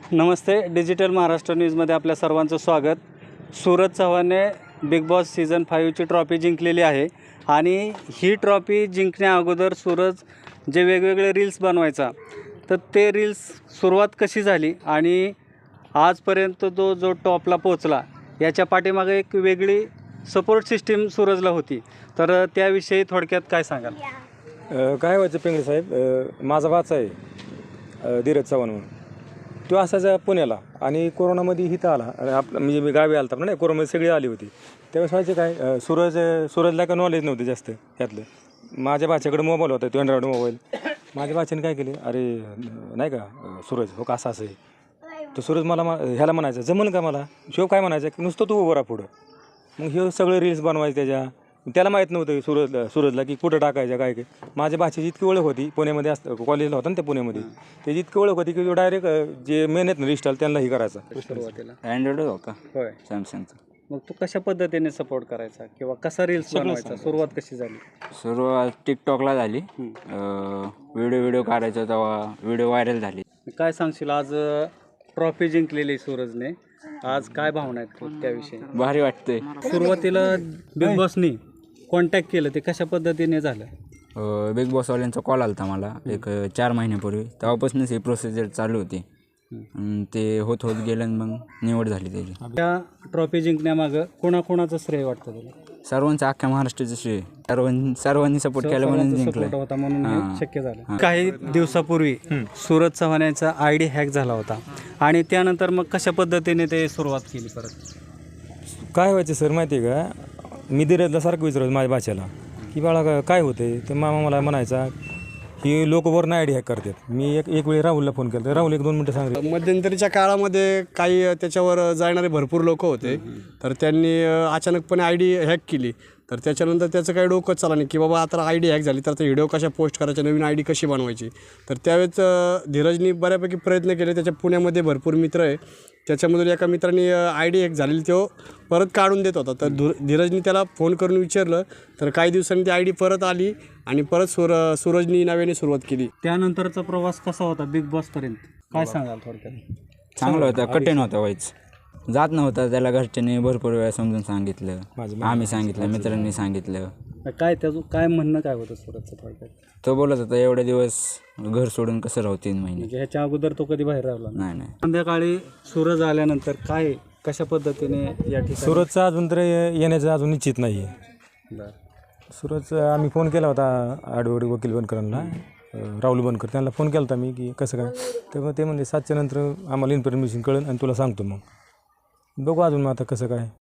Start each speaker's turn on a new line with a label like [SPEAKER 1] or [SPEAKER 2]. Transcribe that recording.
[SPEAKER 1] नमस्ते. Digital Maharashtra न्यूजमध्ये आपल्या सर्वांचं स्वागत. सूरज चव्हाणने बिग बॉस सीझन 5ची ट्रॉफी जिंकलेली आहे आणि ही ट्रॉफी जिंकण्या अगोदर सूरज जे वेगवेगळे रील्स बनवायचा, तर ते रील्स सुरुवात कशी झाली आणि आजपर्यंत तो जो टॉपला पोचला, याच्या पाठीमागे एक वेगळी सपोर्ट सिस्टीम सूरजला होती. तर त्याविषयी थोडक्यात काय सांगाल?
[SPEAKER 2] काय व्हायचं पिंगळे साहेब, माझा भाचा आहे धीरज चव्हाण म्हणून. तो असायचा पुण्याला आणि कोरोनामध्ये इथं आला. आपलं म्हणजे मी गावी आलता नाही, कोरोनामध्ये सगळी आली होती. त्यावेळेस व्हायचं काय, सूरजला का नॉलेज नव्हतं जास्त ह्यातलं. माझ्या भाच्याकडे मोबाईल होता, तो अँड्रॉइड मोबाईल. माझ्या भाच्याने काय केले, अरे नाही का सूरज, हो का असं आहे. तर सूरज मला ह्याला म्हणायचं जमन का मला, शिव काय म्हणायचं की नुसतं तू उभं राहा पुढं. मग हे सगळे रील्स बनवायचे त्याला माहीत नव्हतं सूरजला की कुठं टाकायचं काय. माझ्या भाषेची इतकी ओळख होती, पुण्यामध्ये कॉलेजला होता ना त्या पुण्यामध्ये, त्याची इतकी ओळख होती की तो डायरेक्ट जे मेन आहेत ना रिस्टॉल त्यांनाही करायचा.
[SPEAKER 1] सुरुवातीला
[SPEAKER 3] अँड्रॉइड होता
[SPEAKER 1] होय,
[SPEAKER 3] सॅमसंगचा.
[SPEAKER 1] मग तू कशा पद्धतीने सपोर्ट करायचा किंवा कसा रील्स बनवायचा, सुरुवात कशी झाली?
[SPEAKER 3] सुरुवात टिकटॉकला झाली. व्हिडिओ काढायचा तेव्हा व्हिडिओ व्हायरल झाली.
[SPEAKER 1] काय सांगशील, आज ट्रॉफी जिंकलेली सूरजने, आज काय भावना आहेत त्याविषयी?
[SPEAKER 3] भारी वाटतंय.
[SPEAKER 1] सुरुवातीला बिग बॉसनी कॉन्टॅक्ट केलं, ते कशा पद्धतीने झालं?
[SPEAKER 3] बिग बॉसवाल्यांचा कॉल आला होता मला एक 4 महिन्यापूर्वी. तेव्हापासूनच ही प्रोसिजर चालू होती. ते होत गेलं आणि मग निवड झाली त्याची.
[SPEAKER 1] त्या ट्रॉफी जिंकण्यामागं कोणाकोणाचं श्रेय वाटतं तुला?
[SPEAKER 3] सर्वांचं, अख्ख्या महाराष्ट्राचं श्रेय. सर्वांनी सपोर्ट केला म्हणून जिंकलं
[SPEAKER 1] होता, म्हणून हे शक्य झालं. काही दिवसापूर्वी सूरज चव्हाण यांचा आयडी हॅक झाला होता आणि त्यानंतर मग कशा पद्धतीने ते सुरुवात केली परत?
[SPEAKER 2] काय व्हायचं सर माहिती आहे का, मी धीरजला सारखं विचारायचं माझ्या भाच्याला की बाळा काय होते. ते मामा मला म्हणायचा की लोक वरून आयडी हॅक करतात. मी एक वेळी राहुलला फोन केला, तर राहुल 1-2 मिनटं सांगितलं.
[SPEAKER 4] मध्यंतरीच्या काळामध्ये काही त्याच्यावर जाणारे भरपूर लोक होते, तर त्यांनी अचानकपणे आयडी हॅक केली. तर त्याच्यानंतर त्याचं काही डोकं चाललं नाही की बाबा आता आयडी हॅक झाली तर आता व्हिडिओ कशा पोस्ट करायच्या, नवीन आयडी कशी बनवायची. तर त्यावेळेस धीरजनी बऱ्यापैकी प्रयत्न केले. त्याच्या पुण्यामध्ये भरपूर मित्र आहे, त्याच्यामधून एका मित्रांनी आयडी हॅक झालेली तो परत काढून देत होता. तर धीरजनी त्याला फोन करून विचारलं, तर काही दिवसांनी ती आयडी परत आली आणि परत सूरजनी नव्याने सुरुवात केली.
[SPEAKER 1] त्यानंतरचा प्रवास कसा होता बिग बॉसपर्यंत, काय सांगाल थोडक्यात?
[SPEAKER 3] चांगलं होतं, कठीण होतं व्हायचं. जात नव्हता त्याला, घरच्यांनी भरपूर वेळा समजून सांगितलं, आम्ही सांगितलं, मित्रांनी सांगितलं.
[SPEAKER 1] काय त्याचं काय म्हणणं काय होतं सूरजचं थोडक्यात?
[SPEAKER 3] तो बोलत होता एवढे दिवस घर सोडून कसं राहू 3 महिने.
[SPEAKER 1] म्हणजे ह्याच्या अगोदर तो कधी बाहेर राहिला
[SPEAKER 3] नाही.
[SPEAKER 1] संध्याकाळी सूरज आल्यानंतर काय कशा पद्धतीने या ठिकाणी?
[SPEAKER 2] सूरजचा अजून तर येण्याचं अजून निश्चित नाही आहे. सूरज आम्ही फोन केला होता आडवडी वकील बनकरांना, राहुल बनकर, त्यांना फोन केला होता मी की कसं काय. तर ते म्हणजे 7च्या नंतर आम्हाला इन्फॉर्मेशन कळेल आणि तुला सांगतो. मग बघू अजून मग आता कसं काय.